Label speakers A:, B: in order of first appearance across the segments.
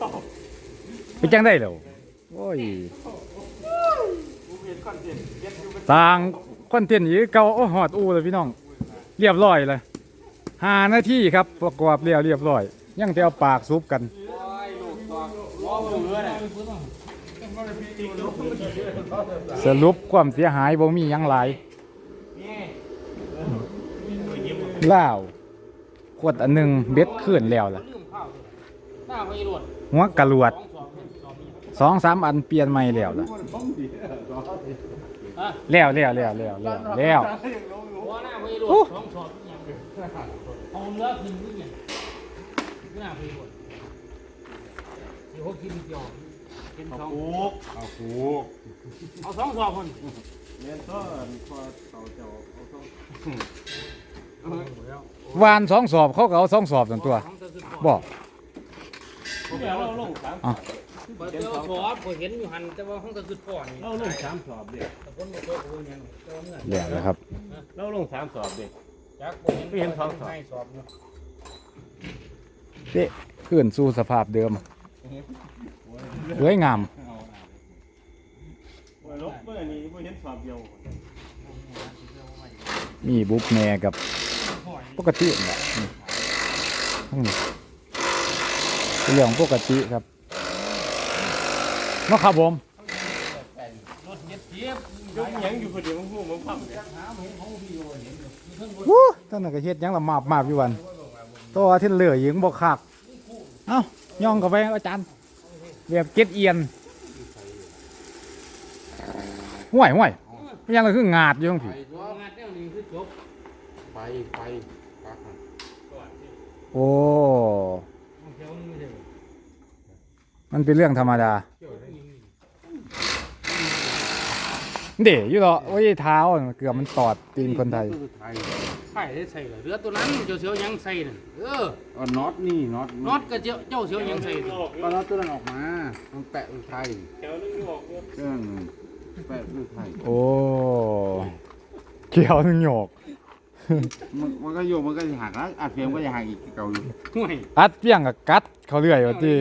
A: ไปจังได้แล้วโอ้ยสร้างคอนเทนต์อยู่เก่าโอ้หอดอูเลยพี่น้องเรียบร้อยเลย5 นาทีครับประกอบเรียบร้อยยังจะเอาปากซุปกันสรุปความเสียหายบ่มีหยังหลายล่าวขวดอันหนึ่งเบ็ดขึ้นแล้วล่ะหัวกระลวด2-3 อันเปลี่ยนใหม่แล้วล่ะแล้วหัวหน้าไม่รวด2 สอบยังเอาเนื้อขึ้นนี่ยังหน้าไม่รวดเดี๋ยวเขากินเดียวกิน2เอา2 สอบคนเรียนต้นพอเขาเจ้าเอาวาน2 สอบเขาก็เอา2 สอบส่วนตัวบอกเราลง3 เจ้าสอบผมเห็นอยู่หันแต่ว่าห้องตะกุดพ่อนี่เราลง3 สอบเด็กแต่คนมาโตกับคนยังเดี๋ยวนะครับเราลง3 สอบเด็กจากผมเห็น2 สอบเด็กขึ้นสู่สภาพเดิมสวยงามมีบุ๊กแม่กับปกติแหละทั้งนี้เรื่องปกติครับมาครับผมยกยังอยู่คนเดียวมันพูดมันพับวู้ท่านน่ะก็เฮ็ดยังละมาบอยู่วันตัวที่เหลือยิงบ่คักเอ้าย่องเข้าไปอาจารย์แบบเก็ดเอียนห่วยยังละคืองาดอยู่ทั้งผีไปโอ้มันเป็นเรื่องธรรมดาเดี๋ยวอยู่หรอโอ้ยเท้าเกือบมันตอดตีนคนไทยใช่ได้ใส่เลยเรือตัวนั้นเจ้าเสียวยังใส่น่ะน็อตนี่น็อตก็เจ้าเสียวยังใส่ก็น็อตตัวนั้นออกมามันแปะไทยแถวนึงออกเครื่องแปะไทยโอ้เกี่ยวนึงหยกมันก็โยกมันก็จะหักแล้วอัดเพียงก็จะหักอีกเก่าอยู่อัดเพียงกับกัดเขาเรื่อยว่าที่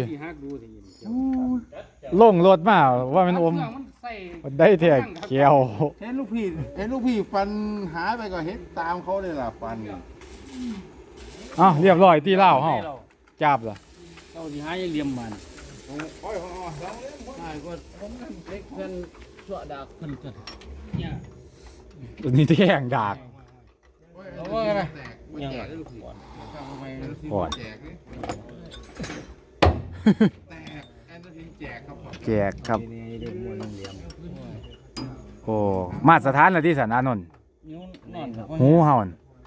A: ลงรถมาว่ามันอมได้แท้เกี่ยวเห็นลูกพี่ฟันหายไปก็เห็นตามเขาเลยล่ะฟันอ้าวเรียบร้อยที่เล่าเฮาจับล่ะเจ้าที่หายเหลี่ยมมันได้ก็ผมนั่นเล็กเพิ่นชั่วดากเพิ่นเกิดเนี่ยตัวนี้แท่งดากเอาว่าไงยังก่อนแจกครับโอ้มาสถานอะไรที่สันอานนท์หูเห่า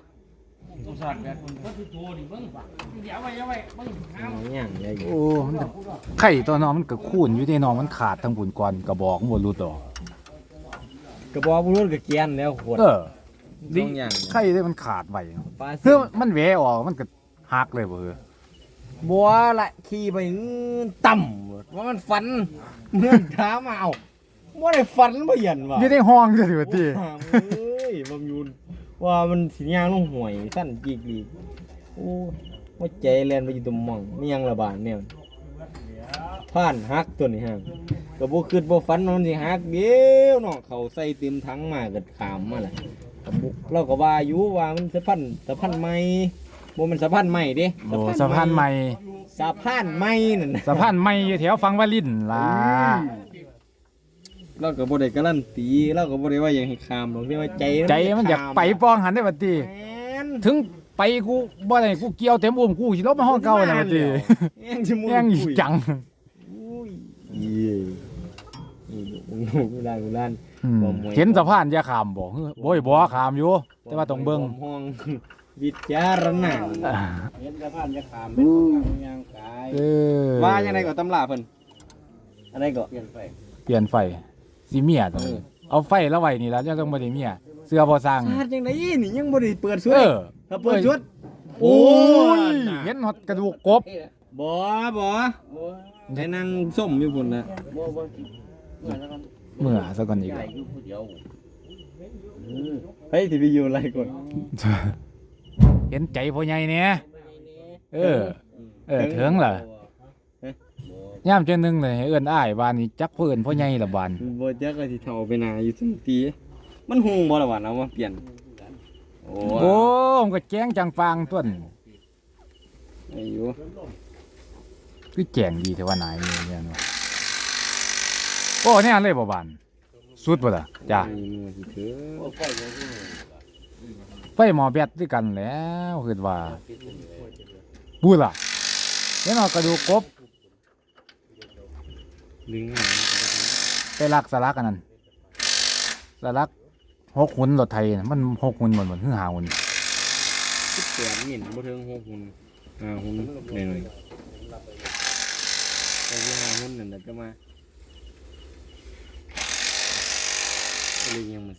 A: โอ้ไข่ตัวน้องมันกระคูนอยู่ที่น้องมันขาดทั้งบุญก่อนกระบอกหมดรูดต่อกระบอกบุรุษกระเกียนแล้วขวดดิไข่ได้มันขาดไปเพื่อมันแหวออกมันก็หักเลยเบอร์บัวละขี่ไปต่ำว่ามันฝันเมื่อเช้ามาเอาว่าได้ฝันบ่ยันว่ะอยู่ในห้องจะถือตีเฮ้ยบางยูนว่ามันสีย่างลงห่วยสั้นจีกีโอ้ว่าใจแลนไปอยู่ตรงมองนี่ยังระบาดเนี่ยผ่านฮักตัวนี้ฮะก็บ่คิดบ่ฝันมันสิฮักเดียวเนาะเขาใส่เต็มถังมาเกิดขามมาแหละเราก็ว่าอยู่ว่ามันสะพันใหม่บ่มันสะพานใหม่เด้โอ้สะพานใหม่นั่นสะพานใหม่อยู่แถวฟังวาลินล่ะเราก็บ่ได้การันตีเราก็บ่ได้ว่าอย่างให้ข้ามหรอกที่ว่าใจมันอยากไปป้องหันได้บัดนี้ถึงไปกูบ่ได้กูเกี่ยวเต็มอุ้มกูสิลบมาห้องเก่าน่ะบัดนี้แย่งจังอุ้ยกูได้เห็นสะพานจะข้ามบ่โอ้ยบ่ข้ามอยู่แต่ว่าต้องเบิ่งห้องวิจารณะเห็นสะพานจะขามเป็นย่างกายว่ายังไงก็ตำราเพิ่นอะไรก็เปลี่ยนไฟสิเมียตรงนี้เอาไฟแล้วไว้นี่แล้วยังต้องบ่ได้เมียเสื้อบ่สร้างชาติจังได๋นี่ยังบ่ได้เปิดชุดถ้าเปิดชุดโอ้ยเห็นฮอดกระดูกกบบ่ได้นั่งส้มอยู่พุ่นน่ะเมื่อซะก่อนอีกเฮ้ยสิไปอยู่อะไรก่อนเห็นใจพ่อใหญ่เนี่ยถึงเหรอย่ามเจ้านึงเลยให้เอิ้นอ้ายบ้านนี้จักเพิ่นพ่อใหญ่ละบ้าน
B: บ่จักก็สิเฒ่าไปหนาอยู่ซั่นติมันหุงบ่ล่ะวะเอามาเปลี่ยนโอ้
A: โอ้มันก็แจ้งจังฟางต้น
B: อายุ
A: คือแจ้งดีแต่ว่านายนี่เนี่ยว่าโอ้เนี่ยเลยบ่บ้านสุดบ่ล่ะจ้า
B: ไอ้มือสิเถอะ
A: ไฟหม้อแบตด้วยกันแล้วคือว่าบูล่ะเห็นเอากระดูกกบ
B: ดึงหา
A: ไปลักสลักอันนั้นสลัก6 หุ่นรถไทยน่ะมัน6 หุ่นหมดคือ5 หุ่น
B: 18หมิ่นบ่ถึง6หุ่น5หุ่นหน่อยๆแต่ที่5หุ่นนั่นแหละจะมาเลยยังมาสิ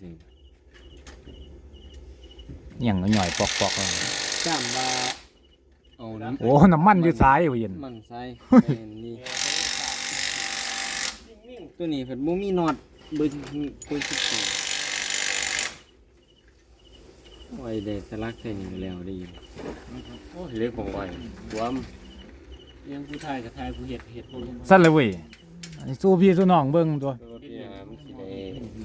A: หยังหน่อยๆปอกๆเอา
B: จ้ามว่าเอาน้ำ
A: โอ้น้ำมันอยู่ซ้ายเว้ยเย็น
B: มันใส่ไปนี่ตัวนี้เพิ่นบ่มีน็อตเบอร์14โอ้ยได้สลักใส่นี่แล้วได้ยินโอ้ยเล็กของไว้รวมยังผู้ชายกับชายผู้เฮ็ดพวกนี้
A: สั่นเลยเว้ยอันนี้สู้พี่สู้น้องเบิ่งตัว
B: ตัวที่หามันสิได้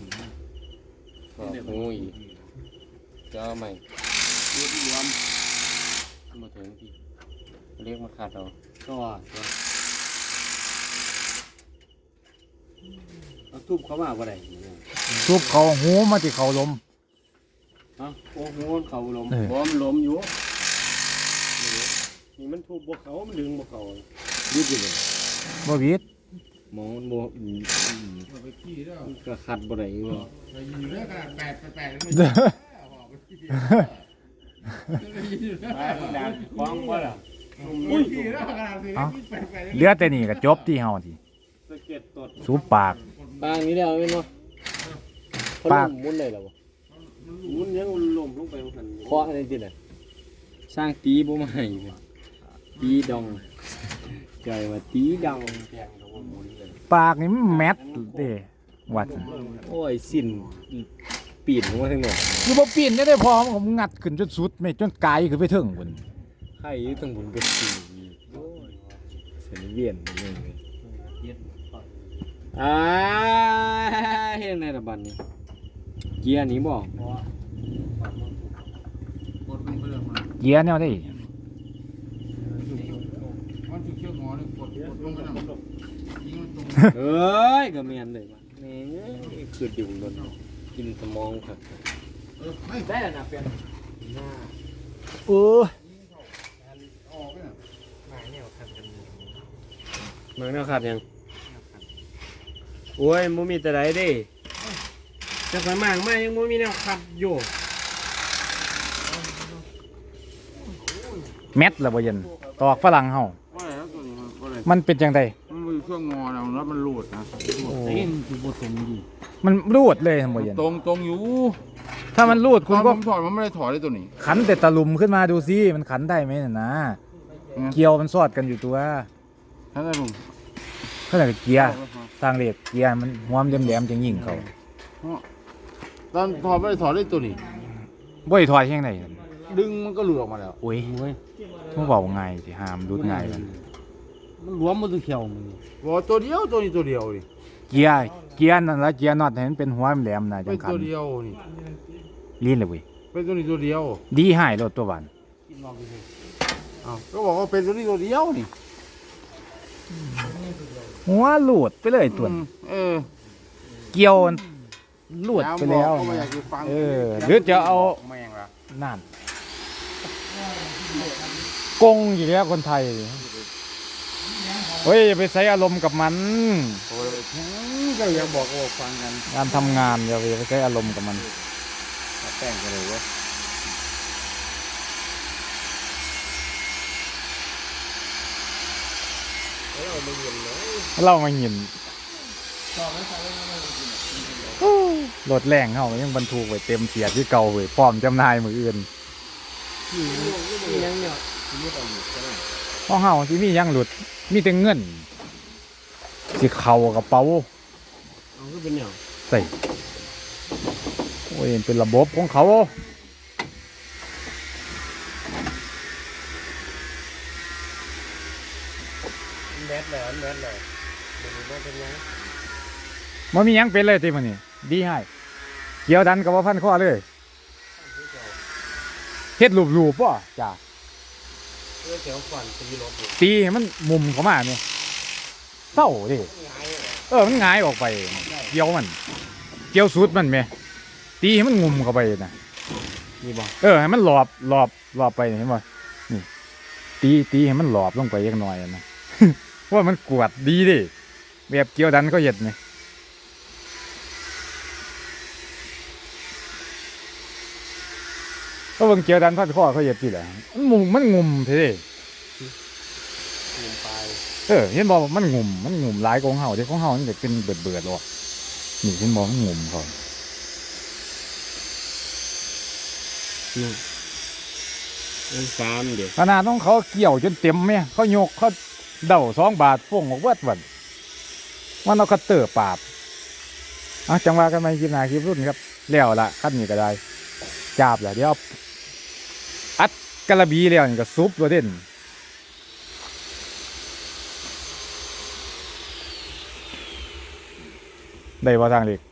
B: ก็หูอีกจะเอาใหม่รวมมาถึงที่เรียกมาขาดเอาก็เอาทุบเขามาบ่ได้
A: ทุบเขาหูมาที่เขาล้ม
B: ฮะโอ้โหเขาล้ม
A: เออ
B: บ่มันล้มอยู่นี่มันทุบบ่เขามันดึงบ่เขายืดอยู่เลย
A: บ่วิด
B: หมอมันบ่มันก็ขัดบ่ได้บ่ คล้องบ่ล่ะ
A: เหลือแต่นี่ก็จบที่เฮาที
B: สะเก็ดตด
A: สูบปาก
B: ปางนี้แล้วแม่นบ่
A: ปาก
B: มุนได้แล้วบ่มุนยังล้มลงไปหั่นเคาะอะไรติน่ะสร้างตีบ่มาให้เลยตีดองใจว่าตีดองแพงก็บ่มุนเลย
A: ปากนี่มันแมทเด้วัด
B: โอ้ยสิ้นปีนลงมาทั้งหมด
A: คือบ่ปีนได้พอมันก็งัดขึ้นจนสุดแม่จนไกลขึ้นไปถึงพุ่น
B: ไข่อยู่ตั้งบุญกับปีโอ้ยเส้นเวียนเลยเฮ็ดในระบัดนี้เกียร์นี้บ่
A: เกียร์แนวได้
B: เอ้ยก็แม่นเลยว่ะแม่งคืออยู่บนกินสมองครับได้แล้วนะเปลี่ยนหน้า
A: เออ
B: เมืองแนวขาดยังโอ้ยบ่มีแต่ใดเด้จะไปมากมายังบ่มีแนวขัดอยู่
A: แมทละบ่เย็นตอกฝรั่งเฮา
C: ว่าแล้วตัวนี้มันก็เลย
A: มันเป็นจังได
C: มันมีเครื่องงอแล้วมันรูดนะ
B: เต้นคือบ่ตรงดี
A: มันรูดเลยบ่เย็น
C: ตรงอยู่
A: ถ้ามันรูด
C: ต
A: คุ
C: อ
A: ณ
C: น
A: ก็
C: ผมถอดมันไม่ได้ถอดได้ตัวนี้
A: ขันแต่ตะลุมขึ้นมาดูซิมันขันได้ไหมน่ะนะเกียวมันสอดกันอยู่ตัว
C: ท่านได้ลุง
A: เขาเรียกว่าเกียร์ทางเหล็กเกียร์มันหัวมันแหลมๆจังยิงเขา
C: ตอนถอดไม่ได้ถอดได้ตัวนี้
A: บ่ได้ถอยแห่งไหน
C: ดึงมันก็หลุดออกมาแล้ว
A: โอ้ย
B: โอ้ย
A: มันเว้าง่ายสิหามรุดง่ายมัน
B: มันรวมบ่ตัวเขียวมึง
C: บอกตัวเดียวตัวนี้ตัวเดียวดิ
A: เกียร์นั่นละเกียร์น็อตให้มันเป็นหัวแหลมๆน่ะจั
C: เป็
A: ง
C: น
A: ขัน
C: ตัวเดียวนี่
A: ลีนเลยเว้ย
C: เป็นตัวนี้ตัวเดียว
A: ดีหายรถตัวหวาน
C: อ้าวก็บอกว่าเป็นตัวนี้ตัวเดียวนี่
A: หัวหลุดไปเลยตัว
C: เออ
A: เกี่ยวมันหลุดไปแล้ว
C: ก็ไม่อยากจะฟัง
A: เออหรือจะเอา
C: แม่งละ
A: นั่นกงอยู่แล้วคนไทยเฮ้ยอย่าไปใช้อารมณ์กับมัน
C: โอ้ยก็ยังบอกว่าฟังกัน
A: การทำงานอย่าไปใช้อารมณ์กับมัน
C: แป้งกันเลยวะ
A: เรามาหินรถแรงเขายังบรรทุกไว้เต็มเสียที่เก่าเว้ยพร้อมจำหน่ายมืออื่น
B: ยังเนี่ย
A: ห้องเฮาที่มีหยังหลุดมีแต่เงินสิเข่ากระเป๋า
B: เอาคือเป็นหยัง
A: ใส่โอ้ยเป็นระบบของเขา
B: ดเลยแมทเลยมันเป็นยัง
A: มันมีหยังเป็นเลยทีมันนี่ดีให้เกี่ยวดันกับว่าพันข้อเลยเฮ็ดรูปป่ะจ้า
B: เกี่ยวฝันตีรถ
A: ตีให้มันมุมเข้ามาเนี่ยเศร้าดิมันหงายออกไปเกี่ยวมันเกี่ยวสุดมันไหมตีให้มันงุมเข้าไปนะ
B: นี่บ่
A: ให้มันหลอบไปเห็นป่ะนี่ตีให้มันหลอบลงไปเล็กน้อยนะ ว่ามันกวดดีดิแบบเกี่ยวดันก็เห็ดไหมก็เบิ่งเกี่ยวดันพัดข้อเขาเห็ดที่ไหนมันงุมเท่
B: ลงไป
A: เห็นบอกมันงุมหลายของเฮาที่ของเฮามันจะเป็นเบิดหรอกนี่เห็นบอกมันงุมเขา
B: ฟาร์มเดี๋ยว
A: ขนาดน้องเขาเกี่ยวจนเต็มไหมเขายกเขาเดา2 บาทฟ่งออกเบิดวันมันเอาคัตเตอร์ปาบจังว่ากันไหมคลิปหน้าคลิปรุ่นครับแล้วละขั้นนี้ก็ได้จาบแหละเดี๋ยวอัดกระบีแล้วนี่ก็ซุปตัวเด่นได้บ่ทางเล็ก